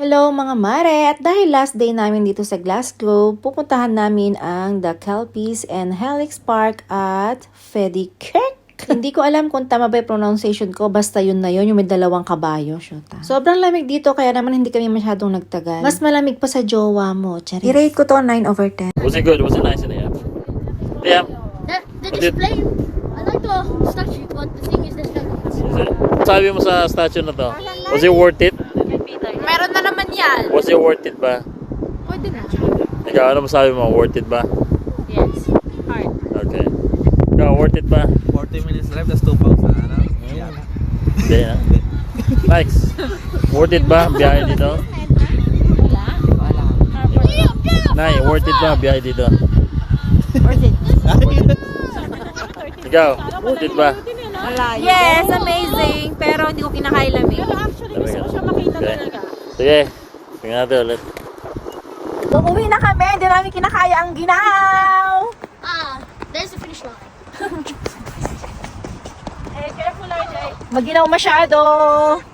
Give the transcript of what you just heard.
Hello mga mare! At dahil last day namin dito sa Glasgow, pupuntahan namin ang The Kelpies and Helix Park at Fedikirk. Hindi ko alam kung tama ba yung pronunciation ko, basta yun na yun, yung may dalawang kabayo. Shoota. Sobrang lamig dito, kaya naman hindi kami masyadong nagtagal. Mas malamig pa sa jowa mo, Charis. I-rate ko to 9/10. Was it good? Was it nice in the app? Yeah. The display, I like the statue, but the thing is the statue. Is it? Sabi mo sa statue na to, was it worth it? Meron na naman yan. Was it worth it ba? Pwede na. Ikaw, ano masabi mo? Worth it ba? Yes. Hard. Okay. Ikaw, worth it ba? 40 minutes left, that's 2 pounds na ano? Yata. Hindi na. Thanks. Worth it ba? Biyahe dito? Nay, worth it ba? Biyahe dito? Worth it. Ikaw, worth it ba? Yes, amazing. Pero hindi ko kinakain lamig. Sabi ka. Okay. Sige. Tingnan natin ulit. Uuwi na kami, hindi namin kinakaya ang ginaw! There's the finish line. Maginaw masyado!